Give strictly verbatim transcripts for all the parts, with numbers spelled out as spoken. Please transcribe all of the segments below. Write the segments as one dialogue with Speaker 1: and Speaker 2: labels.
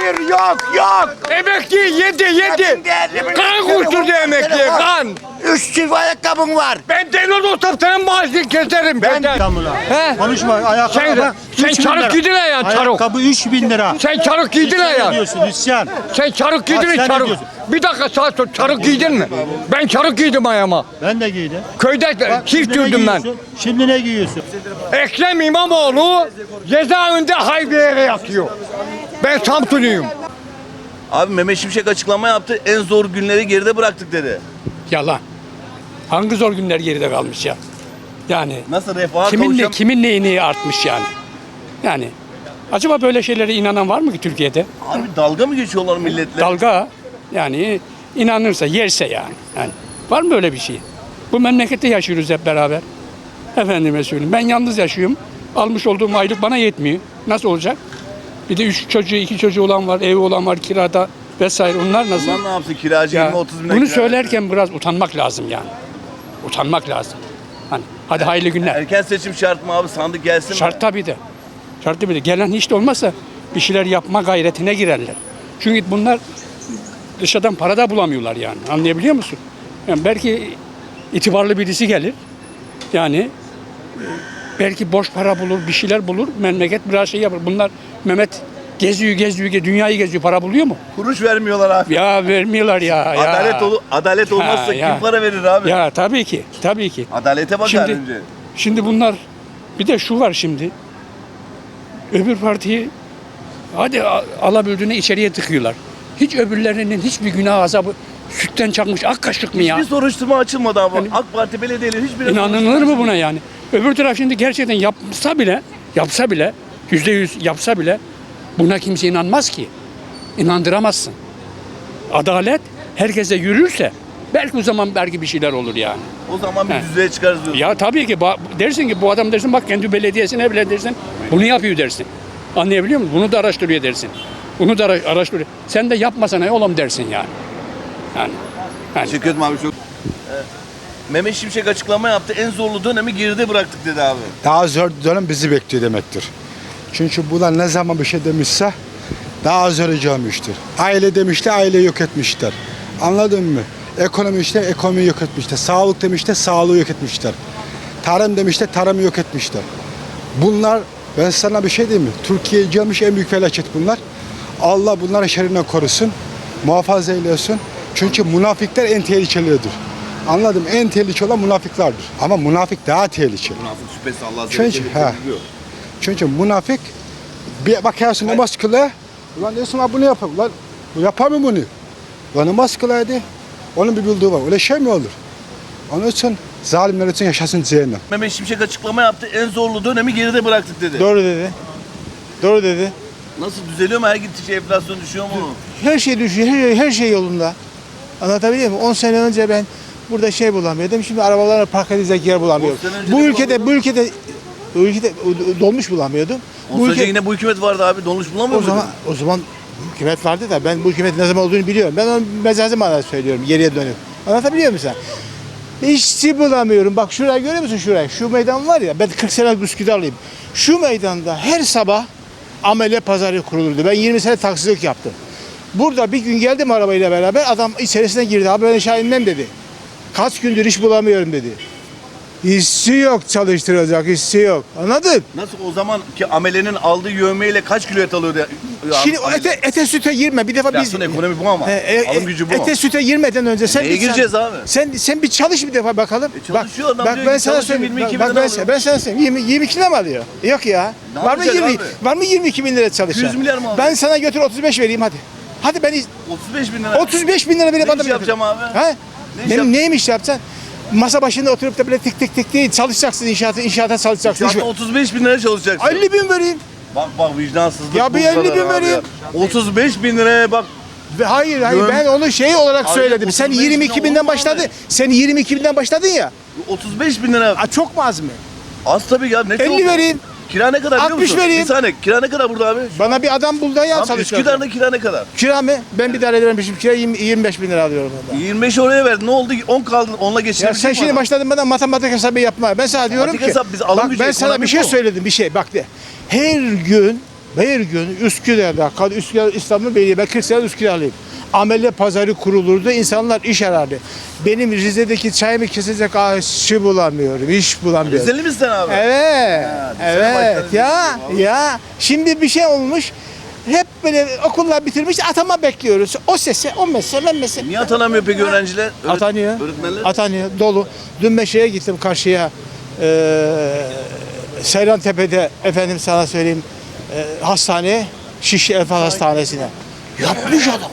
Speaker 1: Hayır yok yok.
Speaker 2: Emekli yedi yedi. Kan kusturdu emekliye kan.
Speaker 1: Üç çift ayakkabın var.
Speaker 2: Ben delil olsam senin maaşını keserim.
Speaker 1: Ben-
Speaker 2: Ben
Speaker 3: He? Konuşma. Ayakkabı
Speaker 2: Sen-
Speaker 3: bak,
Speaker 2: sen
Speaker 3: üç bin
Speaker 2: çarık
Speaker 3: lira.
Speaker 2: giydin ya, çarık.
Speaker 3: Ayakkabı üç bin lira.
Speaker 2: Sen çarık giydin
Speaker 3: İsyan
Speaker 2: ya.
Speaker 3: ediyorsun, isyan.
Speaker 2: Sen çarık giydin
Speaker 3: Bak
Speaker 2: mi
Speaker 3: sen ne
Speaker 2: çarık?
Speaker 3: diyorsun?
Speaker 2: Bir dakika saat dur, çarık giydin mi? Ben çarık giydim ayağıma.
Speaker 3: Ben de giydim.
Speaker 2: Köyde
Speaker 3: Bak,
Speaker 2: çift
Speaker 3: şimdi ne
Speaker 2: dürdüm ben.
Speaker 3: giyiyorsun? Şimdi ne giyiyorsun?
Speaker 2: Ekrem İmamoğlu cezaevinde Haybiye'ye yatıyor. Ben Samsunluyum.
Speaker 4: Abi Mehmet Şimşek açıklama yaptı. En zor günleri geride bıraktık dedi.
Speaker 5: Yalan. Hangi zor günler geride kalmış ya? Yani
Speaker 4: Nasıl refaha
Speaker 5: kimin ne,
Speaker 4: kavuşam...
Speaker 5: kimin neyini artmış yani? Yani acaba böyle şeylere inanan var mı ki Türkiye'de?
Speaker 4: Abi dalga mı geçiyorlar milletle?
Speaker 5: Dalga yani inanırsa yerse yani. Yani var mı öyle bir şey? Bu memlekette yaşıyoruz hep beraber. Efendime söyleyeyim. Ben yalnız yaşıyorum. Almış olduğum aylık bana yetmiyor. Nasıl olacak? Bir de üç çocuğu, iki çocuğu olan var, evi olan var, kirada vesaire. Onlar nasıl?
Speaker 4: Lan ne yapsın kiracı
Speaker 5: Ya,
Speaker 4: yirmi otuz bin lira
Speaker 5: bunu
Speaker 4: kira
Speaker 5: söylerken biraz utanmak lazım yani. Utanmak lazım. Hani hadi hayırlı
Speaker 4: versin.
Speaker 5: günler.
Speaker 4: Erken seçim şart mı abi? Sandık gelsin mi?
Speaker 5: Şart tabii de. Şart tabii de. Gelen hiç de olmazsa bir şeyler yapma gayretine girerler. Çünkü bunlar dışarıdan para da bulamıyorlar yani. Anlayabiliyor musun? Yani belki itibarlı birisi gelir. Yani belki boş para bulur, bir şeyler bulur. Memleket biraz şey yapar. Bunlar Mehmet geziyor, geziyor, geziyor, dünyayı geziyor. Para buluyor mu?
Speaker 4: Kuruş vermiyorlar abi.
Speaker 5: Ya vermiyorlar ya. ya.
Speaker 4: Adalet olu adalet olmazsa
Speaker 5: Ha, ya.
Speaker 4: kim para verir abi?
Speaker 5: Ya tabii ki, tabii ki.
Speaker 4: Adalete bakar
Speaker 5: Şimdi,
Speaker 4: önce.
Speaker 5: şimdi bunlar bir de şu var şimdi. Öbür partiyi hadi a- alabildiğine içeriye tıkıyorlar. Hiç öbürlerinin hiçbir günah azabı sütten çakmış ak kaşık mı ya?
Speaker 4: Hiçbir soruşturma açılmadı abi.
Speaker 5: Yani-
Speaker 4: AK Parti belediyeleri hiçbir
Speaker 5: İnanılır mı buna yani? Öbür taraf şimdi gerçekten yapsa bile, yapsa bile, yüzde yüz yapsa bile buna kimse inanmaz ki. İnandıramazsın. Adalet herkese yürürse belki o zaman belki bir şeyler olur yani.
Speaker 4: O zaman bir
Speaker 5: He.
Speaker 4: düzeye çıkarız diyorsun.
Speaker 5: Ya tabii ki ba- dersin ki bu adam dersin bak kendi belediyesine bile dersin bunu yapıyor dersin. Anlayabiliyor musun? Bunu da araştırıyor dersin. Bunu da ara- araştırıyor. Sen de yapmasana oğlum dersin yani. Yani. yani.
Speaker 4: Teşekkür ederim abi çok. Ee, Mehmet Şimşek açıklama yaptı. En zorlu dönemi geride bıraktık dedi abi.
Speaker 6: Daha zor dönem bizi bekliyor demektir. Çünkü bunlar ne zaman bir şey demişse daha zor olmuştur. Aile demişler, aile yok etmişler. Anladın mı? Ekonomi işte ekonomiyi yok etmişler. Sağlık demişler, sağlığı yok etmişler. Tarım demişler, tarımı yok etmişler. Bunlar, ben sana bir şey diyeyim mi? Türkiye'ye gelmiş en büyük felaket bunlar. Allah bunları şerrinden korusun, muhafaza eylesin. Çünkü münafıklar en tehlikelidir. Anladım, en tehlikeli olan münafıklardır. Ama münafık daha tehlikeli.
Speaker 4: Münafık şüphesi Allah
Speaker 6: Çünkü,
Speaker 4: sevgili
Speaker 6: ha.
Speaker 4: biliyor.
Speaker 6: Çünkü münafık bir bakarsın namaz kılıyor. Ulan diyorsun ha bunu yapar. Ulan bu yapar mı bunu? Ulan namaz kılaydı. Onun bir bildiği var. Öyle şey mi olur? Onun için zalimler için yaşasın cehennem.
Speaker 4: Mehmet Şimşek açıklama yaptı. En zorlu dönemi geride bıraktık dedi.
Speaker 7: Doğru dedi. Doğru dedi.
Speaker 4: Nasıl düzeliyor mu? Her gittikçe enflasyon düşüyor mu?
Speaker 7: Her şey düşüyor, her, her şey yolunda. Anlatabiliyor muyum? on sene önce ben burada şey bulamıyordum. Şimdi arabalarla park edecek yer bulamıyorum.
Speaker 4: on sene önce
Speaker 7: Bu
Speaker 4: de
Speaker 7: ülkede, bu ülkede, bu ülkede dolmuş bulamıyordum.
Speaker 4: On
Speaker 7: Bu
Speaker 4: sene
Speaker 7: ülke,
Speaker 4: yine bu hükümet vardı abi. Dolmuş bulamıyor
Speaker 7: o
Speaker 4: muydun?
Speaker 7: zaman, o zaman hükümet vardı da ben bu hükümetin ne zaman olduğunu biliyorum. Ben onu mecazi manada söylüyorum, geriye dönüp. Anlatabiliyor muyum sen? İşçi bulamıyorum. Bak şurayı görüyor musun şurayı? Şu meydan var ya, ben kırk senelik Üsküdar'lıyım. Şu meydanda her sabah amele pazarı kurulurdu. Ben yirmi sene taksicilik yaptım. Burada bir gün geldim arabayla beraber, adam içerisine girdi. Abi ben aşağı inmem dedi. Kaç gündür iş bulamıyorum dedi. İşçi yok çalıştıracak, işçi yok. Anladın?
Speaker 4: Nasıl o zaman ki amelenin aldığı yövmeyle kaç kilo et alıyordu? Ya,
Speaker 7: Şimdi
Speaker 4: amele?
Speaker 7: ete, ete süte girme. Bir defa biz...
Speaker 4: Enflasyon ekonomi bu ama.
Speaker 7: He, e,
Speaker 4: Alım gücü bu.
Speaker 7: Ete süte girmeden önce sen...
Speaker 4: Neye
Speaker 7: bir-
Speaker 4: gireceğiz
Speaker 7: sen,
Speaker 4: abi?
Speaker 7: Sen, sen bir çalış bir defa bakalım.
Speaker 4: E çalışıyor adam
Speaker 7: bak,
Speaker 4: diyor
Speaker 7: ben
Speaker 4: ki
Speaker 7: sana
Speaker 4: çalışıyor,
Speaker 7: söyleyeyim.
Speaker 4: yirmi iki
Speaker 7: Bak,
Speaker 4: bin
Speaker 7: ben,
Speaker 4: lira
Speaker 7: ben, ben sana söyleyeyim. yirmi, yirmi iki lira mı alıyor? Yok ya.
Speaker 4: Ne
Speaker 7: Var mı,
Speaker 4: yapacak
Speaker 7: yirmi,
Speaker 4: abi?
Speaker 7: var mı yirmi iki bin lira çalışan?
Speaker 4: yüz milyar mı alıyor?
Speaker 7: Ben sana götür otuz beş vereyim hadi. Hadi ben
Speaker 4: otuz beş bin lira.
Speaker 7: otuz beş bin lira verip
Speaker 4: Ne
Speaker 7: adam
Speaker 4: iş yapacağım abi?
Speaker 7: Ha?
Speaker 4: Ne iş
Speaker 7: Benim
Speaker 4: yap-
Speaker 7: neyim iş yapacaksın? Masa başında oturup da böyle tık tık tık değil çalışacaksın inşaata inşaata çalışacaksın.
Speaker 4: Şu anda otuz beş bin lira çalışacaksın.
Speaker 7: elli bin vereyim.
Speaker 4: Bak bak vicdansızlık.
Speaker 7: Ya bir
Speaker 4: bu kadar
Speaker 7: elli bin
Speaker 4: abi
Speaker 7: vereyim.
Speaker 4: ya. otuz beş bin liraya bak.
Speaker 7: Ve hayır hayır
Speaker 4: Göm-
Speaker 7: ben onu şey olarak
Speaker 4: Abi,
Speaker 7: söyledim. Sen
Speaker 4: otuz beş
Speaker 7: yirmi
Speaker 4: bin
Speaker 7: iki
Speaker 4: olur
Speaker 7: binden
Speaker 4: mu
Speaker 7: başladın.
Speaker 4: abi?
Speaker 7: Sen yirmi iki binden başladın ya.
Speaker 4: otuz beş bin lira.
Speaker 7: A, çok mu az mı?
Speaker 4: Az tabii ya. Ne
Speaker 7: elli
Speaker 4: çok?
Speaker 7: vereyim.
Speaker 4: Kira ne kadar biliyor
Speaker 7: altmış
Speaker 4: musun?
Speaker 7: vereyim.
Speaker 4: Bir saniye. Kira ne kadar burada abi?
Speaker 7: Bana bir adam bul da ya
Speaker 4: Tam
Speaker 7: çalışacak.
Speaker 4: Üsküdar'da kira ne kadar?
Speaker 7: Kira mı? Ben bir daire vermişim. Kira yirmi, yirmi beş bin lira alıyorum orada.
Speaker 4: yirmi beş oraya verdin. Ne oldu? on kaldı. Onunla
Speaker 7: Ya
Speaker 4: geçirebilecek
Speaker 7: sen
Speaker 4: mi
Speaker 7: şimdi
Speaker 4: adam?
Speaker 7: başladın bana matematik hesabı yapma. Ben sana diyorum
Speaker 4: Matematik
Speaker 7: ki.
Speaker 4: hesap, biz alım
Speaker 7: bak
Speaker 4: gücü,
Speaker 7: ben sana
Speaker 4: ekonomi
Speaker 7: bir şey
Speaker 4: bu.
Speaker 7: söyledim bir şey. Bak de. Her gün Bir gün Üsküdar'da, Üsküdar İstanbul Belediye, ben kırk sene Üsküdar'lıyım. Amele pazarı kurulurdu, insanlar iş arardı. Benim Rize'deki çayımı kesecek ağaççı bulamıyorum, iş bulamıyorum.
Speaker 4: Rizeli misin sen abi?
Speaker 7: Evet,
Speaker 4: bir sene
Speaker 7: evet
Speaker 4: başladın
Speaker 7: ya, ya. Şimdi bir şey olmuş, hep böyle okullar bitirmiş, atama bekliyoruz. O sese, o mesele, mesele.
Speaker 4: Niye atanamıyor peki öğrenciler? Öğret-
Speaker 7: Atanıyor.
Speaker 4: Öğretmenler?
Speaker 7: Atanıyor. Dolu. Dün ben şeye gittim karşıya. Eee Seyrantepe'de efendim sana söyleyeyim eee hastane Şişli Efe Hastanesi'ne. Yapmış adam.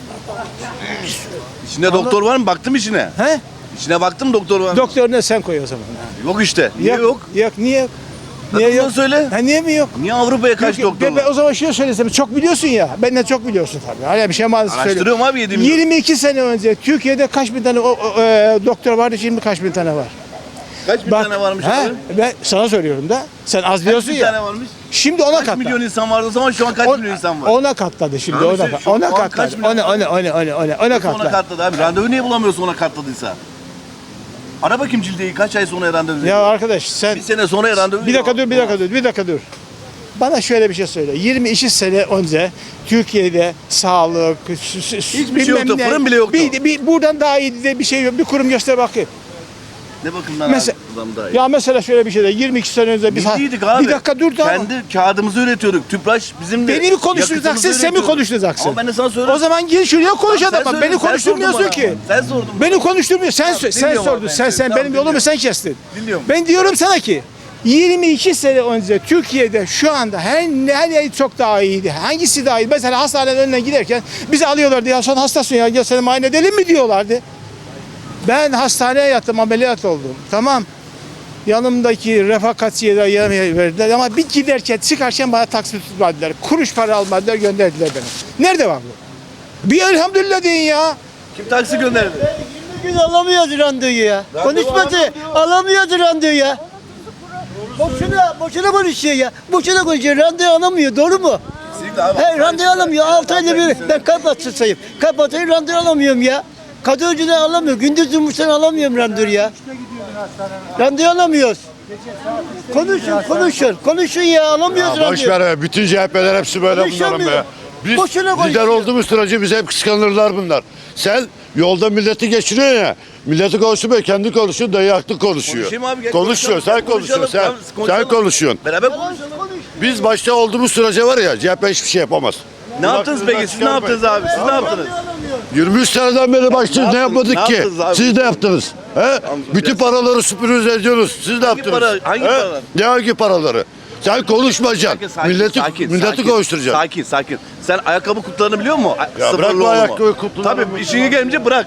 Speaker 4: İçinde doktor var mı? Baktım içine.
Speaker 7: He?
Speaker 4: İçine baktım doktor var mı?
Speaker 7: Doktor ne sen koy o zaman.
Speaker 4: Yok işte. Niye yok?
Speaker 7: Yok. Niye yok?
Speaker 4: Niye yok? Söyle.
Speaker 7: Ha, niye mi yok?
Speaker 4: Niye Avrupa'ya kaç
Speaker 7: Yok,
Speaker 4: doktor
Speaker 7: ben, ben
Speaker 4: var?
Speaker 7: o zaman şunu söylesem, çok biliyorsun ya, benden çok biliyorsun tabii. Hala bir şey maalesef söylüyorum.
Speaker 4: Araştırıyorum abi yedi milyon.
Speaker 7: yirmi iki sene önce Türkiye'de kaç bin tane o, o, e, doktor vardı, şimdi kaç bin tane var?
Speaker 4: Kaç bin
Speaker 7: Bak,
Speaker 4: tane varmış
Speaker 7: he,
Speaker 4: abi?
Speaker 7: ben sana söylüyorum da, sen az
Speaker 4: Kaç
Speaker 7: biliyorsun
Speaker 4: bin
Speaker 7: ya.
Speaker 4: tane varmış?
Speaker 7: Şimdi ona
Speaker 4: Kaç
Speaker 7: katladı.
Speaker 4: milyon insan vardı o zaman şu an kaç
Speaker 7: On-
Speaker 4: milyon insan var?
Speaker 7: Ona katladı şimdi,
Speaker 4: Abi
Speaker 7: ona,
Speaker 4: sen
Speaker 7: kat-
Speaker 4: şu an
Speaker 7: ona
Speaker 4: kaç
Speaker 7: katladı.
Speaker 4: milyon
Speaker 7: Ona, ona, ona, ona, ona, ona
Speaker 4: Ona
Speaker 7: katladı.
Speaker 4: katladı abi. Randevu niye bulamıyorsun ona katladıysa? Ara bakayım cildeyi kaç ay sonra randevu veriyor?
Speaker 7: Ya arkadaş sen,
Speaker 4: Bir sene sonra randevu
Speaker 7: bir dakika dur, bir dakika dur, bir dakika dur. Bana şöyle bir şey söyle. yirmi iki sene önce Türkiye'de sağlık,
Speaker 4: Hiçbir şey yoktu, fırın bile yoktu.
Speaker 7: Bir, bir, buradan daha iyi de bir şey yok. Bir kurum göster bakayım.
Speaker 4: Ne bakımdan
Speaker 7: Mesela-
Speaker 4: abi? Adam daha iyi.
Speaker 7: Ya mesela şöyle bir şey de yirmi iki sene önce biz
Speaker 4: Biz abi.
Speaker 7: bir dakika dur da.
Speaker 4: Kendi kağıdımızı üretiyorduk. Tüpraş bizim de
Speaker 7: Beni mi konuşturacaksın,
Speaker 4: yakıtımızı
Speaker 7: sen mi
Speaker 4: üretiyorduk.
Speaker 7: konuşturacaksın?
Speaker 4: Ama ben de sana söylüyorum.
Speaker 7: O zaman gir şuraya konuş
Speaker 4: Sen
Speaker 7: adam. Bak
Speaker 4: söyledin,
Speaker 7: beni
Speaker 4: sen
Speaker 7: konuşturmuyorsun
Speaker 4: sordun
Speaker 7: ki.
Speaker 4: bana. Sen sordun.
Speaker 7: Beni konuşturmuyor. Sen sö- sen
Speaker 4: dinliyorum abi,
Speaker 7: sordun.
Speaker 4: ben
Speaker 7: Sen sen
Speaker 4: seni.
Speaker 7: benim
Speaker 4: Tamam,
Speaker 7: yolumu
Speaker 4: dinliyorum.
Speaker 7: sen kestin.
Speaker 4: Dinliyorum.
Speaker 7: Ben diyorum sana ki yirmi iki sene önce Türkiye'de şu anda her her yer çok daha iyiydi. Hangisi daha iyi? Mesela hastanenin önünden giderken bizi alıyorlardı. Ya sen hastasın ya, gel seni muayene edelim mi diyorlardı. Ben hastaneye yattım, ameliyat oldum. Tamam. Yanımdaki refakatçiye de yemeği verdiler ama bir giderken çıkarken bana taksi tutmadılar. Kuruş para almadılar, gönderdiler beni. Nerede var bu? Bir elhamdülillah deyin ya.
Speaker 4: Kim taksi gönderdi?
Speaker 8: Gün alamıyoruz randevuyu ya. Konuşmadı. Alamıyoruz randevuyu ya. Boşuna, boşuna konuşuyor ya. Boşuna konuşuyor. Randevu alamıyor. Doğru mu?
Speaker 4: Kesinlikle abi.
Speaker 8: He, randevu alamıyor. altı ayda bir. Ben kalp hastasıyım. Kalp hastayım, randevu alamıyorum ya. Kadın önceden alamıyor. Gündüz yumurtadan alamıyorum randevu ya. Randevu alamıyoruz. Konuşun, konuşun. Konuşun ya. Alamıyoruz
Speaker 2: Ya boş
Speaker 8: randevu.
Speaker 2: ver be. Bütün C H P'ler hepsi böyle bunların
Speaker 8: Konuşamıyor.
Speaker 2: be. Biz
Speaker 8: Boşuna
Speaker 2: lider
Speaker 8: konuşuyor.
Speaker 2: olduğumuz sürece bize hep kıskanırlar bunlar. Sen yolda milleti geçiriyorsun ya. Milleti konuşuyor, kendi konuşuyor, dayı haklı konuşuyor.
Speaker 4: Konuşayım abi, gel
Speaker 2: Konuşuyor,
Speaker 4: konuşalım.
Speaker 2: sen konuşuyorsun, sen,
Speaker 4: Konuşalım, konuşalım.
Speaker 2: sen konuşuyorsun.
Speaker 4: Beraber konuşalım.
Speaker 2: Biz başta olduğumuz sürece var ya, C H P hiçbir şey yapamaz.
Speaker 4: Ne yaptınız peki? Siz ne yaptınız abi? Siz ne yaptınız?
Speaker 2: yirmi üç seneden beri başlıyoruz, ne
Speaker 4: yaptınız?
Speaker 2: yapmadık
Speaker 4: Ne
Speaker 2: ki?
Speaker 4: yaptınız abi?
Speaker 2: Siz ne yaptınız? He? Bütün paraları süpürüz ediyoruz. Siz ne yaptınız?
Speaker 4: para- hangi
Speaker 2: He?
Speaker 4: paralar?
Speaker 2: Ne hangi paraları? Sen konuşmayacaksın.
Speaker 4: Sakin,
Speaker 2: milleti
Speaker 4: sakin,
Speaker 2: milleti
Speaker 4: sakin,
Speaker 2: konuşturacaksın.
Speaker 4: Sakin, sakin. Sen ayakkabı kutularını biliyor musun?
Speaker 2: Ya
Speaker 4: Sıfırlı
Speaker 2: bırak bu
Speaker 4: olma.
Speaker 2: ayakkabı kutularını.
Speaker 4: Tabii işine gelince bırak.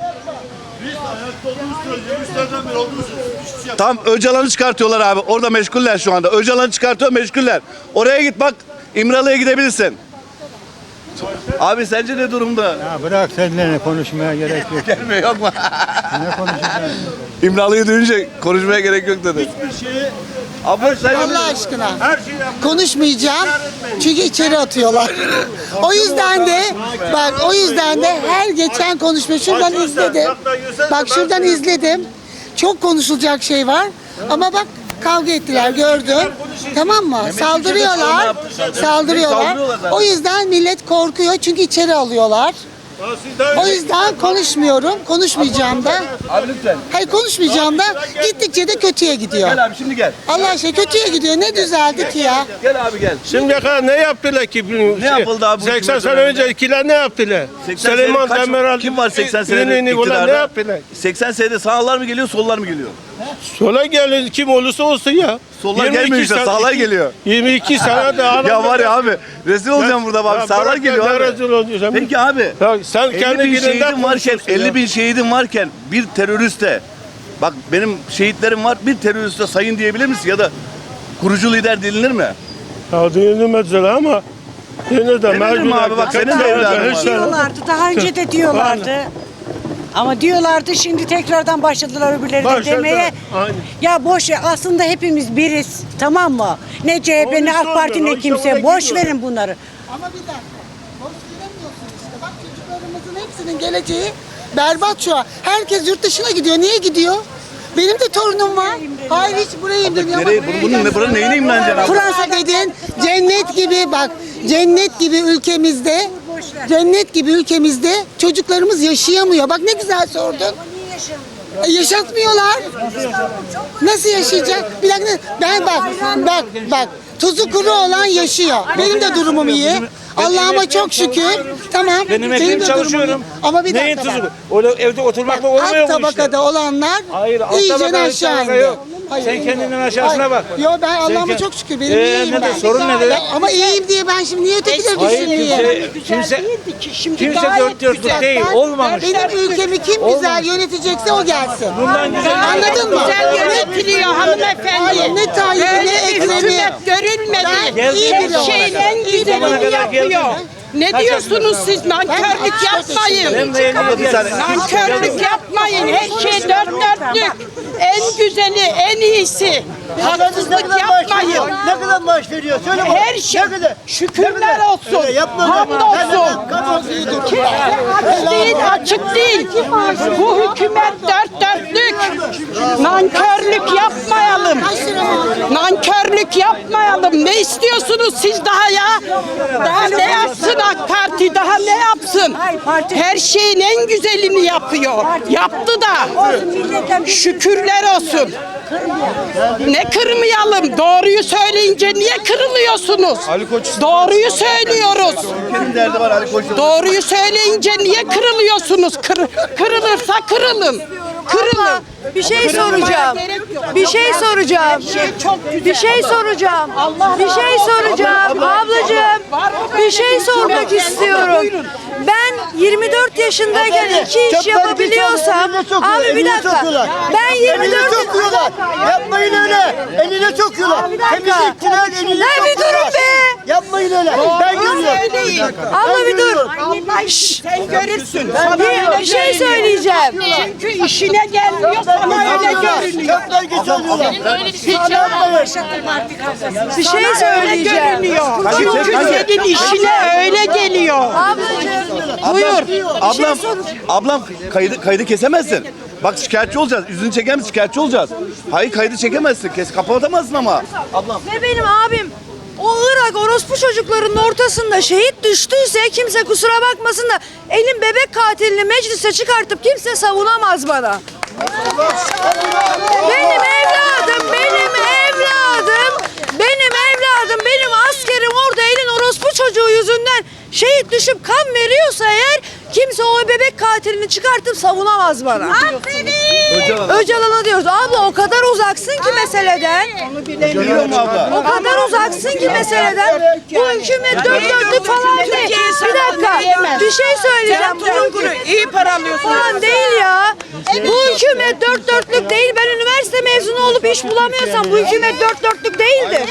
Speaker 4: Tam Öcalan'ı çıkartıyorlar abi. Orada meşguller şu anda. Öcalan'ı çıkartıyor, meşguller. Oraya git bak. İmralı'ya gidebilirsin. Abi sence ne durumda?
Speaker 3: Ya bırak seninle konuşmaya gerek yok.
Speaker 4: Gelmiyor yok mu?
Speaker 3: Ne konuşacaksın?
Speaker 4: İmralı'yı duyunca konuşmaya gerek yok dedi. Abla sen
Speaker 9: Allah aşkına. Konuşmayacağım. Çünkü içeri atıyorlar. O yüzden de bak o yüzden de her geçen konuşma şuradan izledim. Bak şuradan izledim. Çok konuşulacak şey var. Ama bak kavga ettiler gördüm. Tamam mı? Saldırıyorlar. Saldırıyorlar. O yüzden millet korkuyor çünkü içeri alıyorlar. O yüzden konuşmuyorum. Konuşmayacağım da.
Speaker 4: Abi lütfen.
Speaker 9: Hayır konuşmayacağım da gittikçe de kötüye gidiyor.
Speaker 4: Gel abi şimdi gel.
Speaker 9: Allah aşkına kötüye gidiyor. Ne düzeldi ki ya?
Speaker 4: Gel abi gel.
Speaker 10: Şimdiye kadar ne yaptılar ki?
Speaker 4: Ne yapıldı abi bu
Speaker 10: seksen
Speaker 4: hükümet
Speaker 10: sene
Speaker 4: döneminde?
Speaker 10: öncekiler ne yaptılar?
Speaker 4: seksen
Speaker 10: Süleyman
Speaker 4: senede kaç-
Speaker 10: Demirel.
Speaker 4: Kim var seksen senede
Speaker 10: yeni yeni olan
Speaker 4: iktidarda?
Speaker 10: ne yaptılar?
Speaker 4: seksen senede sağlar mı geliyor, sollar mı geliyor?
Speaker 10: Sola gelin kim olursa olsun ya.
Speaker 4: Sollar
Speaker 10: yirmi iki
Speaker 4: gelmiyor işte,
Speaker 10: sene-
Speaker 4: sağlar
Speaker 10: iki-
Speaker 4: geliyor.
Speaker 10: yirmi iki sene de adam.
Speaker 4: Ya var ya abi, rezil olacağım burada bak.
Speaker 10: Ya
Speaker 4: Sağlar
Speaker 10: bırak ya,
Speaker 4: geliyor
Speaker 10: ne
Speaker 4: abi.
Speaker 10: rezil oluyorsun?
Speaker 4: Peki abi,
Speaker 10: Ya sen
Speaker 4: elli
Speaker 10: kendi
Speaker 4: bin
Speaker 10: gününden
Speaker 4: şehidin varken,
Speaker 10: konuşuyorsun ya.
Speaker 4: elli bin şehidin varken bir teröriste, bak benim şehitlerim var, bir teröriste sayın diyebilir misin? Ya da kurucu lider denilir mi?
Speaker 10: Ya dinledim mesela ama yine de
Speaker 4: Denilir mi abi? Bak senin de evladın var.
Speaker 11: Diyorlardı, daha önce de diyorlardı. Ama diyorlardı, şimdi tekrardan başladılar öbürleri de
Speaker 10: Başladı.
Speaker 11: demeye.
Speaker 10: Aynen.
Speaker 11: Ya boş ver, aslında hepimiz biriz, tamam mı? Ne C H P,
Speaker 10: O
Speaker 11: ne
Speaker 10: işte
Speaker 11: AK Parti,
Speaker 10: oldu, o
Speaker 11: ne
Speaker 10: işte
Speaker 11: kimse.
Speaker 10: oraya
Speaker 11: Boş
Speaker 10: gidiyor.
Speaker 11: verin bunları.
Speaker 9: Ama bir dakika. Boş veremiyorsun işte. Bak çocuklarımızın hepsinin geleceği berbat şu an. Herkes yurt dışına gidiyor. Niye gidiyor? Benim de torunum var. Hayır hiç buraya imreniyor.
Speaker 4: Nereye, bunun, bunun, buranın neyine imreneceksin abi?
Speaker 9: Fransa dedin cennet gibi bak cennet gibi ülkemizde, cennet gibi ülkemizde çocuklarımız yaşayamıyor. Bak ne güzel sordun. E, yaşatmıyorlar. Nasıl yaşayacak? Bir dakika. Ben bak, bak, bak. Tuzu kuru olan yaşıyor. Benim de durumum iyi. Allah'ıma çok şükür. Tamam.
Speaker 12: Benim
Speaker 9: Benim
Speaker 12: ekmeğim
Speaker 9: de
Speaker 12: çalışıyorum.
Speaker 9: durumum iyi. Ama bir
Speaker 12: Neyin
Speaker 9: dakika.
Speaker 12: tuzu? Öyle evde oturmakla olmuyor
Speaker 9: Alt
Speaker 12: bu işte.
Speaker 9: tabakada olanlar
Speaker 12: Hayır, alt
Speaker 9: iyice
Speaker 12: tabakada
Speaker 9: aşağı
Speaker 12: tabaka
Speaker 9: indi.
Speaker 12: yok.
Speaker 9: Hayır.
Speaker 12: Sen kendinden aşağısına
Speaker 9: Hayır.
Speaker 12: bak.
Speaker 9: Yo ben Allah'ıma
Speaker 12: kend-
Speaker 9: çok şükür. Benim
Speaker 12: Ee,
Speaker 9: iyiyim
Speaker 12: nedir?
Speaker 9: ben.
Speaker 12: Sorun nedir?
Speaker 9: Ya ama iyiyim diye ben şimdi niye ötekileri
Speaker 12: Hayır
Speaker 9: düşünmeyeyim?
Speaker 12: kimse, kimse,
Speaker 11: Şimdi
Speaker 12: kimse
Speaker 11: gayet
Speaker 12: dört dörtlük
Speaker 11: güzel.
Speaker 12: değil.
Speaker 9: Ben-
Speaker 12: Olmamış.
Speaker 9: Benim ülkemi kim güzel yönetecekse o gelsin.
Speaker 12: Bundan güzel.
Speaker 9: Anladın mı?
Speaker 11: Güzel yönetiliyor hanımefendi.
Speaker 9: Hayır ne Tayyip'i ne
Speaker 11: Böyle bir
Speaker 9: Ekrem'i.
Speaker 11: hükümet görülmedi.
Speaker 9: Ben iyi biri
Speaker 11: Her şeyin
Speaker 9: olarak.
Speaker 11: en güzelini yapıyor. Ne diyorsunuz siz? Nankörlük yapmayın.
Speaker 12: Ben de yeni bir saniye.
Speaker 11: Nankörlük yapmayın. Her şey dört dörtlük. En güzeli, en iyisi. Haksızlık yapmayın.
Speaker 8: Ne kadar maaş veriyor? Söyle bana.
Speaker 11: Her şey.
Speaker 8: Ne kadar?
Speaker 11: Şükürler olsun.
Speaker 8: Öyle yapma.
Speaker 11: Hamdolsun.
Speaker 8: Kamuoyu dur.
Speaker 11: Kimse aç değil, açık değil. Bu hükümet dört dörtlük. Nankörlük yapmayalım. Nankörlük yapmayalım. Ne istiyorsunuz siz daha ya? Daha ne yapsın AK Parti? Daha ne yapsın? Her şeyin en güzelini yapıyor. Yaptı da. Şükürler olsun. Ne kırmayalım? Doğruyu söyleyince niye kırılıyorsunuz? Doğruyu söylüyoruz.
Speaker 4: Ülkenin derdi var Ali Koç'ta.
Speaker 11: Doğruyu söyleyince niye kırılıyorsunuz? Kır, kırılırsa kırılın. Kırılın.
Speaker 13: Bir şey soracağım. Bir şey soracağım. Bir şey soracağım. Bir şey soracağım. Ablacığım bir şey sormak istiyorum. Ben yirmi dört yaşındayken iki iş yapabiliyorsam, abi bir dakika. Ben yirmi dört
Speaker 8: sokuyorlar. Yapmayın öyle. Eline sokuyorlar.
Speaker 13: Bir dakika.
Speaker 8: Temizlikçiler eline
Speaker 13: Lan bir durun be.
Speaker 8: Yapmayın öyle. Ben görüyorum.
Speaker 13: Abla bir dur.
Speaker 11: Sen görürsün.
Speaker 13: Bir, bir şey söyleyeceğim.
Speaker 11: Çünkü işine gelmiyor sana öyle görünüyor.
Speaker 8: Köpler geçiyorlar.
Speaker 13: Bir şey söyleyeceğim.
Speaker 11: Çünkü senin işine öyle geliyor.
Speaker 4: Buyur. Ablam, ablam kaydı, kaydı kesemezsin. Bak şikayetçi olacağız. Yüzünü çeker misin? Şikayetçi olacağız. Hayır kaydı çekemezsin. Kes, kapatamazsın ama. Ablam.
Speaker 13: Ve benim abim o Irak orospu çocuklarının ortasında şehit düştüyse kimse kusura bakmasın da elim bebek katilini meclise çıkartıp kimse savunamaz bana. Benim evladım, benim evladım, benim evladım, benim askerim orada elin orospu çocuğu yüzünden şehit düşüp kan veriyorsa eğer kimse o bebek katilini çıkartıp savunamaz bana.
Speaker 4: Öcalan.
Speaker 13: Öcalan'a diyoruz. Abla o kadar uzaksın ki meseleden.
Speaker 4: Biliyor mu abla?
Speaker 13: O kadar uzaksın ki meseleden. Bu hükümet dört dörtlük falan değil. Bir dakika. Bir şey söyleyeceğim. Bu hükümet
Speaker 11: İyi para alıyorsun.
Speaker 13: falan değil ya. Bu hükümet dört dörtlük değil. Ben üniversite mezunu olup iş bulamıyorsam bu hükümet dört dörtlük değildi.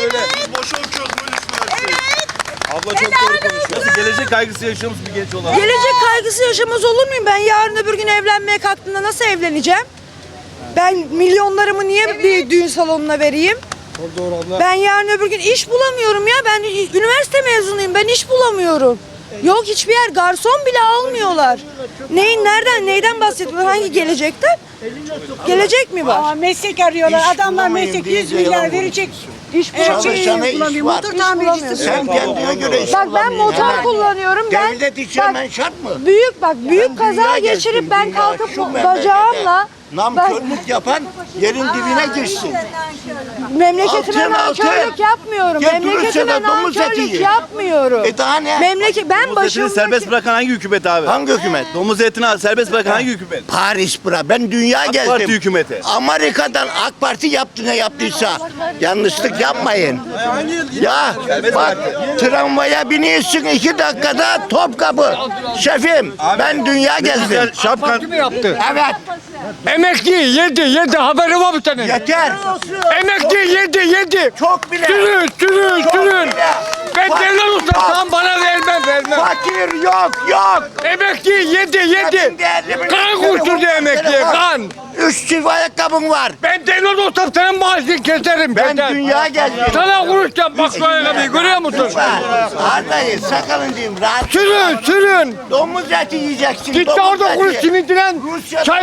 Speaker 4: Abla çok doğru konuşuyor. Biz gelecek kaygısı yaşıyormuş bir genç olarak.
Speaker 13: Gelecek kaygısı yaşamaz olur muyum? Ben yarın öbür gün evlenmeye kalktığımda nasıl evleneceğim? Ben milyonlarımı niye bir düğün salonuna vereyim? Ben yarın öbür gün iş bulamıyorum ya. Ben üniversite mezunuyum. Ben iş bulamıyorum. Yok hiçbir yer garson bile almıyorlar. Neyin nereden neyden bahsediyorlar? Hangi gelecekten? Gelecek mi var?
Speaker 11: Aa, meslek arıyorlar. Adamlar meslek yüz milyar verecek. İş
Speaker 1: Çalışana iş var.
Speaker 11: Motor tamircisi.
Speaker 1: Sen kendine göre iş
Speaker 13: Bak ben
Speaker 1: bulamıyorsun.
Speaker 13: motor
Speaker 1: Hemen.
Speaker 13: kullanıyorum. Ben
Speaker 1: Devlet işi
Speaker 13: bak,
Speaker 1: hemen şart mı?
Speaker 13: büyük bak büyük
Speaker 1: Ben
Speaker 13: kaza
Speaker 1: dünya
Speaker 13: geçirip
Speaker 1: gezdim,
Speaker 13: ben
Speaker 1: dünya.
Speaker 13: kalkıp
Speaker 1: Şu memlekete
Speaker 13: bacağımla
Speaker 1: Namkörlük yapan yerin dibine girsin.
Speaker 13: memleketime
Speaker 1: Altın, altın.
Speaker 13: nankörlük yapmıyorum.
Speaker 1: Getirirse
Speaker 13: Memleketime
Speaker 1: de domuz eti
Speaker 13: nankörlük
Speaker 1: yiyin.
Speaker 13: yapmıyorum.
Speaker 1: E daha ne?
Speaker 13: Memleket ben
Speaker 4: Domuz etini
Speaker 13: başımdaki
Speaker 4: serbest bırakan hangi hükümet abi?
Speaker 1: Hangi hükümet?
Speaker 4: Domuz etini serbest bırakan hangi hükümet?
Speaker 1: Paris bura. Ben dünya
Speaker 4: AK
Speaker 1: gezdim.
Speaker 4: Parti hükümeti.
Speaker 1: Amerika'dan AK Parti yaptı ne yaptıysa. Yanlışlık yapmayın. Ya bak tramvaya biniyorsun iki dakikada Topkapı. Şefim ben dünya gezdim.
Speaker 4: Şapkan.
Speaker 1: Evet.
Speaker 10: Emekli yedi yedi haberi var bir tane.
Speaker 1: Yeter.
Speaker 10: Emekli yedi yedi.
Speaker 1: Çok bile.
Speaker 10: Sürün sürün
Speaker 1: Çok
Speaker 10: sürün.
Speaker 1: bile.
Speaker 10: Ben
Speaker 1: Bak-
Speaker 10: devlet ustasam bana vermem vermem.
Speaker 1: Fakir yok yok.
Speaker 10: Emekli yedi yedi. Kan kurtuldu emekliye kan.
Speaker 1: Üç çift ayakkabın var.
Speaker 10: Ben devlet ustam senin maaşını keserim.
Speaker 1: Ben
Speaker 10: keser.
Speaker 1: dünya gezdim.
Speaker 10: Sana kuruşacağım bak şu ayakkabıyı görüyor musun?
Speaker 1: Arda'yı sakalın diyeyim rahat.
Speaker 10: Sürün sürün.
Speaker 1: Domuz eti yiyeceksin.
Speaker 10: Git
Speaker 1: domuz
Speaker 10: orada
Speaker 1: eti.
Speaker 10: kuruş simintilen
Speaker 1: Rusya'da-
Speaker 10: çay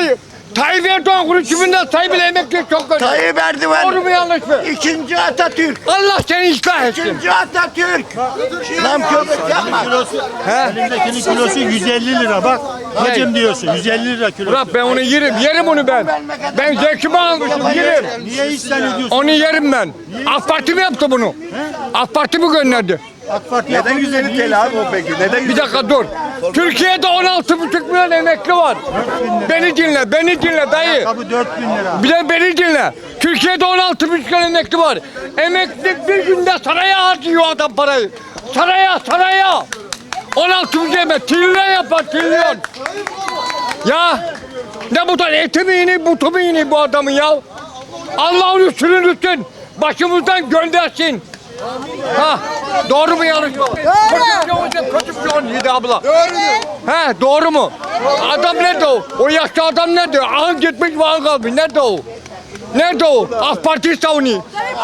Speaker 5: Tayyip Erdoğan konuşumundan Tayyip ile emekli çok kötü.
Speaker 1: Tayyip Erdoğan.
Speaker 5: Doğru mu yanlış mı?
Speaker 1: İkinci Atatürk.
Speaker 5: Allah seni ıslah etsin.
Speaker 1: İkinci Atatürk. Namkörlük yapma.
Speaker 3: Elimdekinin kilosu yüz elli lira bak. Hacım diyorsun yüz elli lira kilo.
Speaker 5: Ulan ben onu yerim, yerim onu ben. Ben zevkimi almışım, yerim.
Speaker 3: Niye isyan ediyorsun?
Speaker 5: Onu yerim ben. AK Parti mi yaptı bunu? AK Parti mi gönderdi?
Speaker 3: AK Parti
Speaker 4: Neden yüz elli T L abi o peki? Neden
Speaker 5: Bir dakika dur. Türkiye'de on altı buçuk milyon emekli var. Beni dinle, beni dinle dayı.
Speaker 3: Kabı dört bin lira.
Speaker 5: Bir de beni dinle. Türkiye'de on altı buçuk milyon emekli var. Emekli bir günde saraya harcıyor adam parayı. Saraya, saraya. on altı buçuk emek, trilyon yapar, trilyon. Ya ne bu da eti mi yini, butu mu yini bu adamın ya? Allah onu sürünürsün, başımızdan göndersin. Ha, doğru mu yanlış mı? Doğru. Kötü bir şey olacak, kötü bir şey olacak abla. Doğru. He, doğru mu? Adam nerede o? O yaşlı adam nerede? Ahın gitmiş, vahın kalmış. Nerede o? Nerede o? AK Parti savunuyor.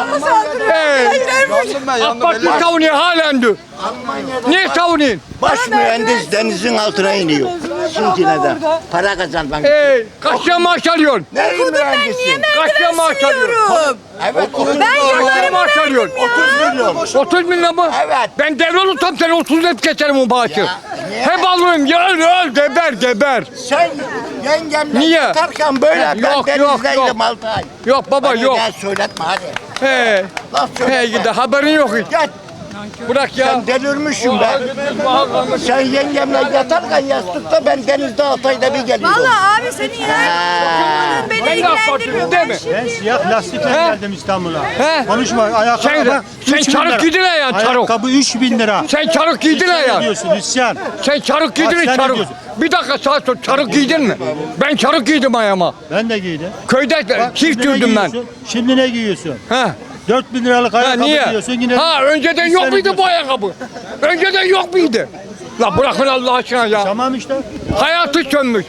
Speaker 5: Hey, AK Parti savunuyor halen diyor. Niye savunuyorsun?
Speaker 1: Baş mühendis denizin altına iniyor. Sintine'de. Para kazanmak için.
Speaker 5: Hey, kaç lira maaş alıyorsun?
Speaker 1: Neyin
Speaker 13: Okudum ben,
Speaker 1: mühendisi?
Speaker 13: niye
Speaker 5: Kaç lira maaş
Speaker 13: merdiven
Speaker 5: alıyorsun?
Speaker 13: siliyorum?
Speaker 1: Evet, otuz
Speaker 13: Ben
Speaker 1: milyon.
Speaker 13: yıllarımı
Speaker 5: maaş
Speaker 13: verdim
Speaker 5: alıyorsun.
Speaker 13: ya.
Speaker 1: otuz milyon.
Speaker 5: otuz bin lira mı?
Speaker 1: Evet.
Speaker 5: Ben devre olursam seni otuz hep geçerim o maaşı.
Speaker 1: niye?
Speaker 5: Hep alırım. Ya öl öl geber geber.
Speaker 1: Sen yengemle
Speaker 5: Niye?
Speaker 1: yatarken böyle
Speaker 5: Yok,
Speaker 1: ben
Speaker 5: yok,
Speaker 1: denizdeydim
Speaker 5: yok.
Speaker 1: altı ay.
Speaker 5: Yok baba
Speaker 1: Bana
Speaker 5: yok.
Speaker 1: gel söyletme hadi.
Speaker 5: He.
Speaker 1: Laf
Speaker 5: He
Speaker 1: söyletme.
Speaker 5: gidi haberin yok hiç.
Speaker 1: Gel.
Speaker 5: Bırak ya.
Speaker 1: Sen delirmişsin be. Sen yengemle yatarken yastıkta ben denizde altı ayda bir geliyorum.
Speaker 13: Vallahi abi senin inan beni
Speaker 5: Ben de AK
Speaker 13: ilgilendirmiyor.
Speaker 5: Partiliyim değil
Speaker 13: Ben
Speaker 5: mi?
Speaker 13: şimdi
Speaker 3: Ben siyah lastikle
Speaker 5: He?
Speaker 3: geldim İstanbul'a.
Speaker 5: He?
Speaker 3: Konuşma ayakkabı.
Speaker 5: Sen-
Speaker 3: bak,
Speaker 5: sen
Speaker 3: üç bin
Speaker 5: çarık
Speaker 3: lira.
Speaker 5: giydin ya, çarık.
Speaker 3: Ayakkabı üç bin lira.
Speaker 5: Sen çarık giydin
Speaker 3: İsyan
Speaker 5: ya.
Speaker 3: ediyorsun isyan.
Speaker 5: Sen çarık giydin
Speaker 3: Bak,
Speaker 5: mi
Speaker 3: sen ne
Speaker 5: çarık?
Speaker 3: diyorsun?
Speaker 5: Bir dakika saat sonra çarık giydin mi? Ben çarık giydim ayağıma.
Speaker 3: Ben de giydim.
Speaker 5: Köyde
Speaker 3: Bak,
Speaker 5: çift
Speaker 3: şimdi ne
Speaker 5: dürdüm ben.
Speaker 3: giyiyorsun? Şimdi ne giyiyorsun?
Speaker 5: Ha.
Speaker 3: dört bin liralık
Speaker 5: Ha
Speaker 3: ayakkabı
Speaker 5: niye?
Speaker 3: giyiyorsun yine.
Speaker 5: Ha önceden
Speaker 3: isyan
Speaker 5: yok muydu
Speaker 3: ediyorsun.
Speaker 5: bu ayakkabı? Önceden yok muydu? La bırakın Allah aşkına ya.
Speaker 3: Tamam işte.
Speaker 5: Hayatı sönmüş.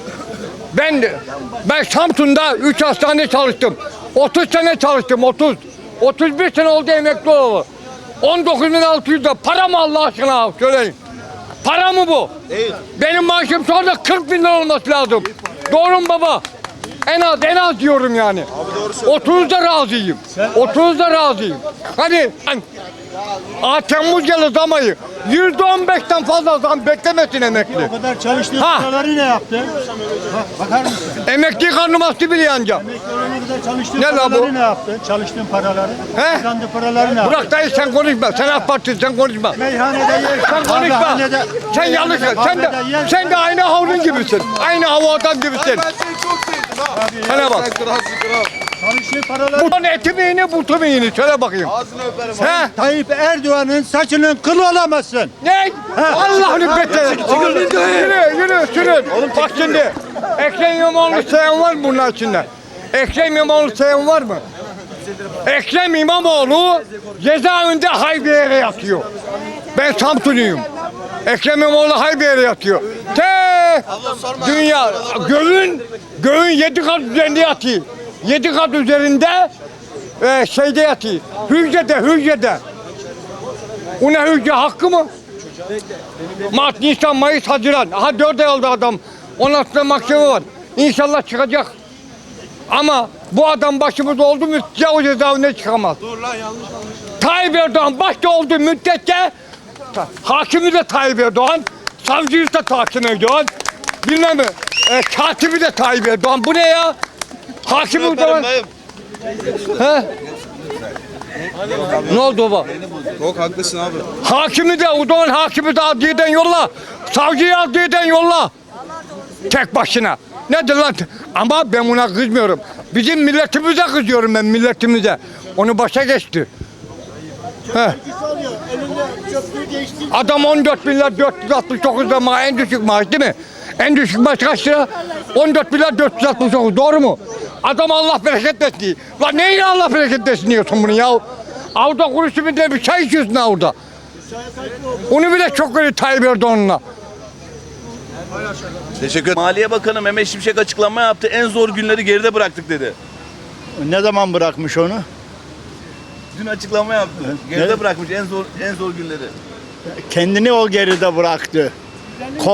Speaker 5: Ben de- ben Samsun'da üç hastane çalıştım. otuz sene çalıştım otuz. otuz bir sene oldu emekli olalı. on dokuz bin altı yüz lira. Para mı Allah aşkına söyleyin. Para mı bu? Benim maaşım sonra kırk bin lira olması lazım. Doğru mu baba? En az en az diyorum yani. otuzda razıyım. otuzda razıyım. Hani ben Aa, Temmuz yılı zamayı yüzde on beşten fazla zam beklemesin emekli.
Speaker 3: O kadar çalıştığın
Speaker 5: Ha.
Speaker 3: paraları ne yaptın? Bak, bakar mısın?
Speaker 5: Emekli karnım astı bile yanca.
Speaker 3: Emekli olana kadar çalıştığın
Speaker 5: Ne la
Speaker 3: paraları
Speaker 5: bu?
Speaker 3: ne yaptın? Çalıştığın paraları.
Speaker 5: He?
Speaker 3: Kazandığın paraları ne yaptın?
Speaker 5: Bırak dayı sen konuşma. Sen AK Parti sen konuşma.
Speaker 3: Meyhanede yersin.
Speaker 5: Sen konuşma.
Speaker 3: kahvehanede-
Speaker 5: Sen yanlış.
Speaker 3: meyhanede,
Speaker 5: Sen de
Speaker 3: kahvede yersin.
Speaker 5: sen de aynı havlun gibisin. Aynı hava adam gibisin. Sana bak.
Speaker 3: Çalıştığın paraları.
Speaker 5: Bu eti mi yeni, butu mu yeni? Söyle bakayım. He?
Speaker 3: Tayyip Erdoğan'ın saçının kılı olamazsın.
Speaker 5: Ne? Allah'ını bekle. Yürü, yürü, sürün. Bak şimdi. Ekrem İmamoğlu sayan var mı bunun içinde? Ekrem İmamoğlu sayan var mı? Ekrem İmamoğlu cezaevinde Hayber'e yatıyor. Ben Samsunluyum. Ekrem İmamoğlu Hayber'e yatıyor. Te dünya göğün göğün yedi kat üzerinde yatıyor. Yedi kat üzerinde e, şeyde yatıyor. Hücrede, hücrede. O ne hücre hakkı mı? Mart, Nisan, Mayıs, Haziran. Aha dört ay oldu adam. Onun altında mahkeme var. İnşallah çıkacak. Ama bu adam başımızda oldu müddetçe o cezaevine çıkamaz. Dur lan yanlış Tayyip Erdoğan başta olduğu müddetçe hakimi de Tayyip Erdoğan, savcıyı da Tayyip Erdoğan, bilmem mi, e, katibi de Tayyip Erdoğan. Bu ne ya? Hakimi Erdoğan. He? Ne oldu baba?
Speaker 12: Çok haklısın abi.
Speaker 5: Hakimi de, Udoğan hakimi de adliyeden yolla. Savcıyı adliyeden yolla. Tek başına. Nedir lan? Ama ben buna kızmıyorum. Bizim milletimize kızıyorum ben milletimize. Onu başa geçti. Heh. Adam on dört milyar dört yüz altmış dokuz lira ma en düşük maaş değil mi? En düşük maaş kaç lira? on dört milyar dört yüz altmış dokuz, doğru mu? Adam Allah bereket versin. Lan neyle Allah bereket versin diyorsun bunu ya? Avda kuruşu bir de bir çay içiyorsun avda. Onu bile çok öyle Tayyip Erdoğan'la.
Speaker 4: Teşekkür ederim. Maliye Bakanı Mehmet Şimşek açıklama yaptı. En zor günleri geride bıraktık dedi.
Speaker 3: Ne zaman bırakmış onu?
Speaker 4: Dün açıklama yaptı. Geride
Speaker 3: Ne?
Speaker 4: bırakmış en zor en zor günleri.
Speaker 3: Kendini o geride bıraktı. Kol,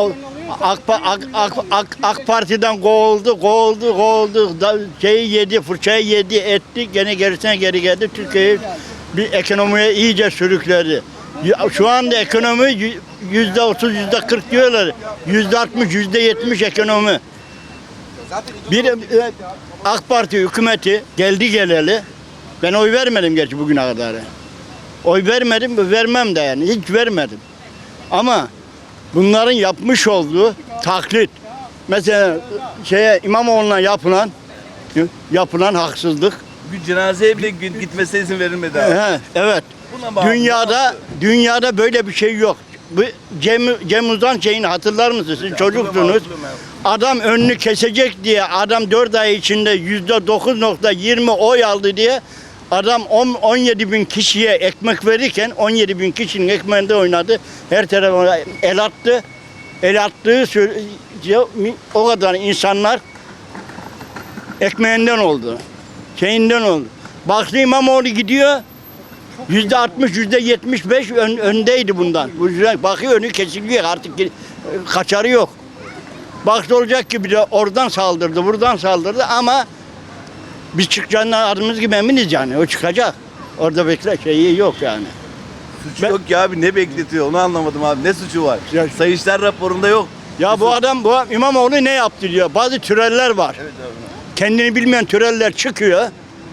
Speaker 1: AK, AK, AK, AK, AK Parti'den kovuldu, kovuldu, kovuldu. Da, şeyi yedi, fırçayı yedi, etti. Gene gerisine geri geldi. Türkiye'yi bir ekonomiye iyice sürükledi. Ya, şu anda ekonomi yüzde otuz, yüzde kırk diyorlar. Yüzde altmış, yüzde yetmiş ekonomi. Bir e, AK Parti hükümeti geldi geleli. Ben oy vermedim gerçi bugüne kadar. Oy vermedim, vermem de yani. Hiç vermedim. Ama bunların yapmış olduğu taklit. Mesela şeye İmamoğlu'na yapılan yapılan haksızlık.
Speaker 4: Bir cenazeye bile gitmesine izin verilmedi abi.
Speaker 1: He, evet.
Speaker 4: Buna bağlı.
Speaker 1: Dünyada dünyada böyle bir şey yok. Bu Cem, Cem Uzan şeyini hatırlar mısınız? Siz çocuksunuz. Adam önünü kesecek diye adam dört ay içinde yüzde dokuz nokta yirmi oy aldı diye adam on yedi bin kişiye ekmek verirken on yedi bin kişinin ekmeğinde oynadı. Her tarafa el attı. El attığı o kadar insanlar ekmeğinden oldu. Şeyinden oldu. Baktı İmamoğlu gidiyor. Yüzde altmış, yüzde yetmiş beş ön, öndeydi bundan. Bu yüzden bakıyor önü kesiliyor artık kaçarı yok. Baktı olacak ki bir de oradan saldırdı, buradan saldırdı ama biz çıkacağından adımız gibi eminiz yani. O çıkacak. Orada bekle şeyi yok yani.
Speaker 4: Suçu yok ki abi, ne bekletiyor onu anlamadım abi. Ne suçu var?
Speaker 1: Ya,
Speaker 4: Sayıştay raporunda yok.
Speaker 1: Ya bu adam, bu İmamoğlu ne yaptı diyor. Bazı türeller var.
Speaker 4: Evet abi.
Speaker 1: Kendini bilmeyen türeller çıkıyor.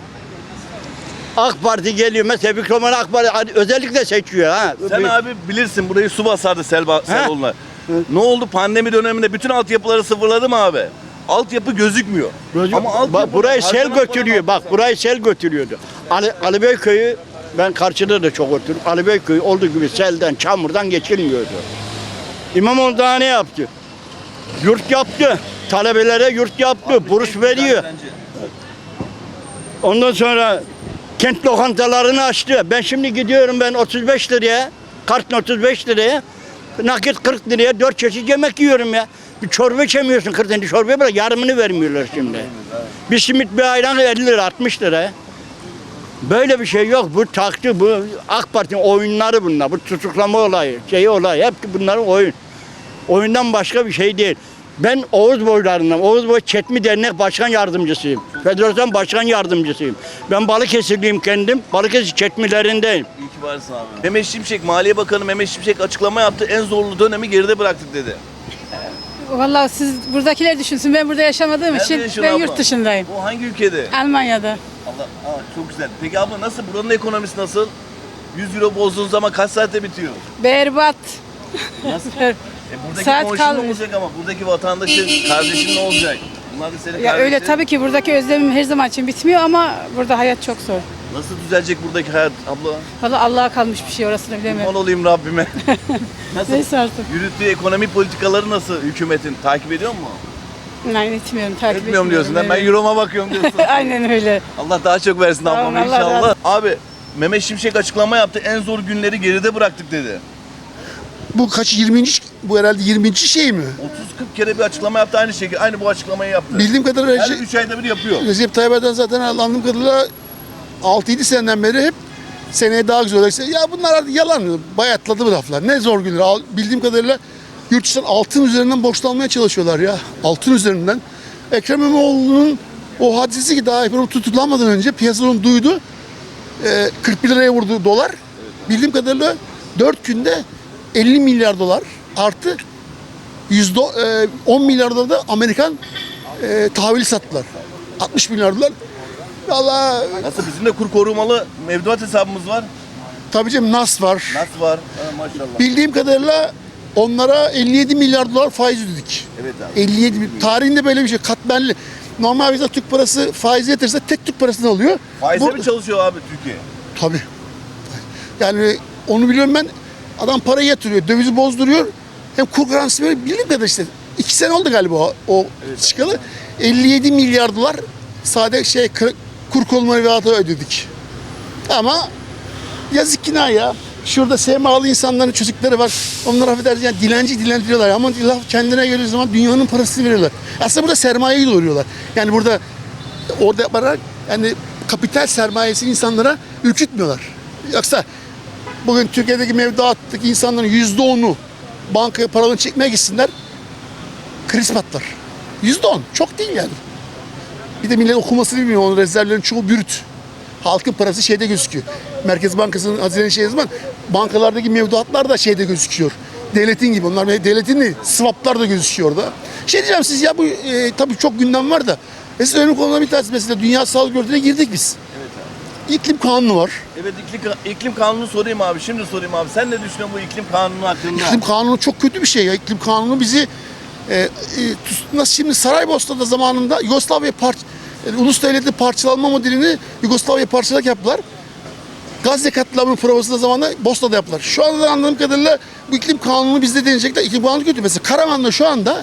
Speaker 1: AK Parti geliyor mesela Bükroman AK Parti özellikle seçiyor ha.
Speaker 4: Sen abi bilirsin, burayı su basardı sel, sel oluna. Ne oldu pandemi döneminde bütün altyapıları sıfırladı mı abi? Altyapı gözükmüyor. Ama altyapı
Speaker 1: burayı sel götürüyor. Bak burayı sel götürüyordu. Ali, Ali Bey köyü ben karşıda da çok oturdum. Ali Bey köyü olduğu gibi selden, çamurdan geçilmiyordu. İmamoğlu daha ne yaptı? Yurt yaptı. Talebelere yurt yaptı. Abi, burs veriyor. Ondan sonra kent lokantalarını açtı. Ben şimdi gidiyorum ben otuz beş liraya, kartın otuz beş liraya, nakit kırk liraya dört çeşit yemek yiyorum ya. Bir çorba içemiyorsun kırk liraya, çorbaya bırak yarımını vermiyorlar şimdi. Bir simit bir ayran elli lira, altmış lira. Böyle bir şey yok. Bu taktı, bu AK Parti'nin oyunları bunlar. Bu tutuklama olayı, şey olayı, hep bunların oyun. Oyundan başka bir şey değil. Ben Oğuz boylarından, Oğuz Boy Çetmi Dernek Başkan Yardımcısıyım. Federasyon Başkan Yardımcısıyım. Ben Balıkesirliyim kendim. Balıkesir Çetmilerindeyim.
Speaker 4: İyi ki varsın abi. Mehmet Şimşek, Maliye Bakanı Mehmet Şimşek açıklama yaptı. En zorlu dönemi geride bıraktık dedi.
Speaker 14: Vallahi siz buradakiler düşünsün. Ben burada yaşamadığım
Speaker 4: Nerede
Speaker 14: için
Speaker 4: yaşıyorsun
Speaker 14: ben
Speaker 4: abla?
Speaker 14: yurt dışındayım.
Speaker 4: O hangi ülkede?
Speaker 14: Almanya'da.
Speaker 4: Allah, aa, çok güzel. Peki abla nasıl? Buranın ekonomisi nasıl? yüz euro bozduğun zaman kaç saatte bitiyor?
Speaker 14: Berbat.
Speaker 4: Nasıl? E buradaki
Speaker 14: Saat
Speaker 4: komşun ne
Speaker 14: kalmış.
Speaker 4: olacak ama buradaki vatandaşın, kardeşin ne olacak? Bunlar da senin
Speaker 14: Ya öyle
Speaker 4: kardeşlerin.
Speaker 14: tabii ki buradaki özlemim her zaman için bitmiyor ama burada hayat çok zor.
Speaker 4: Nasıl düzelecek buradaki hayat abla?
Speaker 14: Vallahi Allah'a kalmış bir şey, orasını bilemiyorum.
Speaker 4: Kurban olayım Rabbime. Nasıl?
Speaker 14: Neyse artık.
Speaker 4: Yürüttüğü ekonomi politikaları nasıl hükümetin? Takip ediyor mu?
Speaker 14: Nein, etmiyorum, takip
Speaker 4: Etmiyorum diyorsun.
Speaker 14: etmiyorum,
Speaker 4: Ben
Speaker 14: evet.
Speaker 4: Euro'ma bakıyorum diyorsun.
Speaker 14: Aynen öyle.
Speaker 4: Allah daha çok versin
Speaker 14: Tamam,
Speaker 4: ablama
Speaker 14: Allah
Speaker 4: inşallah.
Speaker 14: razı-
Speaker 4: Abi Mehmet Şimşek açıklama yaptı. En zor günleri geride bıraktık dedi.
Speaker 15: Bu kaç yirminci bu herhalde yirminci şey mi?
Speaker 4: otuz kırk kere bir açıklama yaptı aynı şekilde. Aynı bu açıklamayı yaptı.
Speaker 15: Bildiğim kadarıyla
Speaker 4: Her
Speaker 15: Recep,
Speaker 4: üç ayda bir yapıyor.
Speaker 15: Recep Tayyip Erdoğan zaten anladığım kadarıyla altı yedi seneden beri hep seneye daha güzel olacak. Ya bunlar artık yalan. Bayatladı bu laflar. Ne zor günler. Al- Bildiğim kadarıyla yurt dışından altın üzerinden borçlanmaya çalışıyorlar ya. Altın üzerinden. Ekrem İmamoğlu'nun o hadisesi ki daha hep tutuklanmadan önce piyasadan duydu. Ee, kırk bir liraya vurdu dolar. Bildiğim kadarıyla dört günde elli milyar dolar artı yüzde on milyar dolar da Amerikan e, tahvili sattılar. altmış milyar dolar. Vallahi
Speaker 4: Nasıl, bizim de kur korumalı mevduat hesabımız var.
Speaker 15: tabii canım Nas var.
Speaker 4: Nasıl var? Ha, maşallah.
Speaker 15: Bildiğim kadarıyla onlara elli yedi milyar dolar faiz ödedik.
Speaker 4: Evet abi.
Speaker 15: elli yedi bin- tarihinde böyle bir şey katmerli. Normal bizde Türk parası faiz yatırsa tek Türk parasını alıyor.
Speaker 4: Faize
Speaker 15: Bu-
Speaker 4: mi çalışıyor abi Türkiye?
Speaker 15: Tabii. Yani onu biliyorum ben. Adam parayı yatırıyor, dövizi bozduruyor. Hem kur garantisi böyle bildiğim kadar işte. iki sene oldu galiba o, o çıkalı. elli yedi milyar dolar sade şey kır- kur korumalı velatı ödedik. Ama yazık günah ya. Şurada S M A'lı insanların çocukları var. Onlar affedersin yani dilenci dilendiriyorlar. Ama laf kendine geldiği zaman dünyanın parasını veriyorlar. Aslında burada sermayeyi doğuruyorlar. Yani burada orada yaparak yani kapital sermayesi insanlara ürkütmüyorlar. Yoksa bugün Türkiye'deki mevduattaki insanların yüzde onu bankaya paralarını çekmeye gitsinler. kriz patlar. Yüzde on. Çok değil yani. Bir de millet okumasını bilmiyor. Onun rezervlerin çoğu bürüt. Halkın parası şeyde gözüküyor. Merkez Bankası'nın hazine şey zaman bankalardaki mevduatlar da şeyde gözüküyor. Devletin gibi. Onlar devletin değil, swaplar da gözüküyor orada. Şey diyeceğim siz ya bu e, tabii çok gündem var da. Mesela önemli konular bir tanesi mesela Dünya Sağlık Örgütü'ne girdik biz.
Speaker 4: Evet abi.
Speaker 15: İklim kanunu var.
Speaker 4: Evet iklim, iklim kanunu sorayım abi. Şimdi sorayım abi. Sen ne düşünüyorsun bu iklim kanunu hakkında?
Speaker 15: İklim kanunu çok kötü bir şey ya. İklim kanunu bizi e, e, nasıl şimdi Saraybosna'da zamanında Yugoslavya parça yani ulus devletli parçalanma modelini Yugoslavya parçalarak yaptılar. Gazze katliamının provası da zamanında Bosna'da yaptılar. Şu anda anladığım kadarıyla bu iklim kanunu bizde deneyecekler. İklim kanunu kötü. Mesela Karaman'da şu anda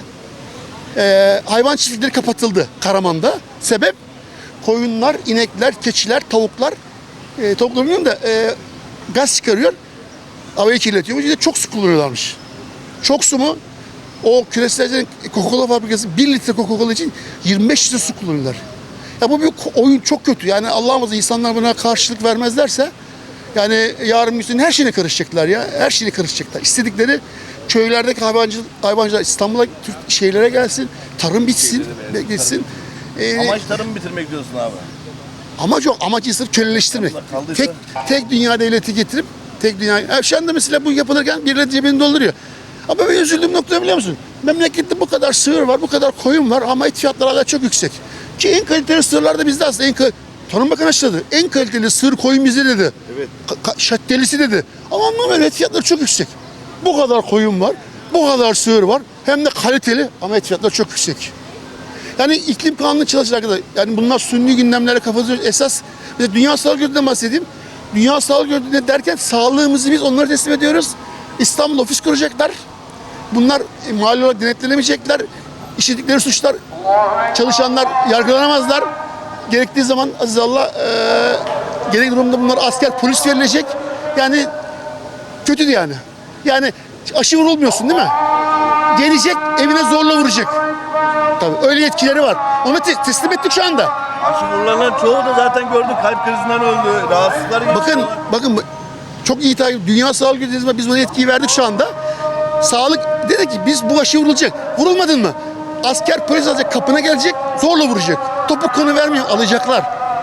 Speaker 15: e, hayvan çiftlikleri kapatıldı Karaman'da. Sebep koyunlar, inekler, keçiler, tavuklar e, tavuklar bilmiyorum da e, gaz çıkarıyor. Havayı kirletiyormuş. Bir de çok su kullanıyorlarmış. Çok su mu? O küreselcilerin Coca-Cola fabrikası bir litre Coca-Cola için yirmi beş litre su kullanırlar. Ya bu bir oyun çok kötü. Yani Allah'ım azze insanlar buna karşılık vermezlerse yani yarın bir gün her şeyine karışacaklar ya. Her şeyine karışacaklar. İstedikleri köylerdeki hayvancılık, hayvancılar İstanbul'a, Türk şehirlere gelsin. Tarım bitsin, geçsin. Ee,
Speaker 4: Amaç tarımı bitirmek diyorsun abi.
Speaker 15: Amaç yok. Amaç insanı köleleştirmek. Tek, tek dünya devleti getirip tek dünya... Yani şu anda mesela bu yapılırken birileri cebini dolduruyor. Ama ben üzüldüğüm nokta biliyor musun? Memlekette bu kadar sığır var, bu kadar koyun var ama et fiyatları hala çok yüksek. Ki en kaliteli sığırlar da bizde aslında. En kal- Tarım Bakanı açıkladı. En kaliteli sığır koyun bizde dedi.
Speaker 4: Evet.
Speaker 15: Ka- şattelisi dedi. Ama anlamıyorum et fiyatları çok yüksek. Bu kadar koyun var, bu kadar sığır var. Hem de kaliteli ama et fiyatları çok yüksek. Yani iklim kanunu çalışacak kadar. Yani bunlar sünni gündemlere kafası esas. Mesela Dünya Sağlık Örgütü'nden bahsedeyim. Dünya Sağlık Örgütü'nde derken sağlığımızı biz onlara teslim ediyoruz. İstanbul ofis kuracaklar. Bunlar e, mali olarak denetlenemeyecekler. İşledikleri suçlar çalışanlar yargılanamazlar. Gerektiği zaman aziz Allah e, gerek durumda bunlar asker polis verilecek. Yani kötüydü yani. Yani aşı vurulmuyorsun değil mi? Gelecek evine zorla vuracak. Tabii öyle yetkileri var. Onu te- teslim ettik şu anda.
Speaker 4: Aşı vurulanların çoğu da zaten gördük. Kalp krizinden öldü. Rahatsızlıklar geçirdi.
Speaker 15: Bakın bakın çok iyi takip. Dünya Sağlık Örgütü'ne biz buna yetkiyi verdik şu anda. Sağlık dedi ki biz bu aşı vurulacak. Vurulmadın mı? Asker polis alacak kapına gelecek zorla vuracak. Topuk kanı vermiyor alacaklar.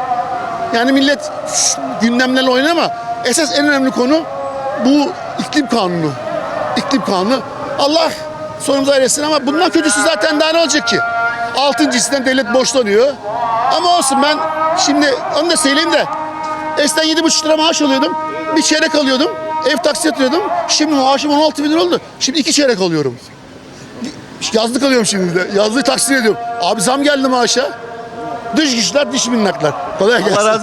Speaker 15: Yani millet gündemlerle oynar ama esas en önemli konu bu iklim kanunu. İklim kanunu. Allah sonumuzu ayırsın ama bundan kötüsü zaten daha ne olacak ki? Altıncı hisseden devlet borçlanıyor. Ama olsun ben şimdi onu da söyleyeyim de eskiden yedi buçuk lira maaş alıyordum. Bir çeyrek alıyordum. Ev taksi yatırıyordum. Şimdi maaşım on altı bin lira oldu. Şimdi iki çeyrek alıyorum. Yazlık alıyorum şimdi de. Yazlığı taksit ediyorum. Abi zam geldi maaşa. Dış güçler, dış minnaklar. Kolay gelsin.
Speaker 4: Allah razı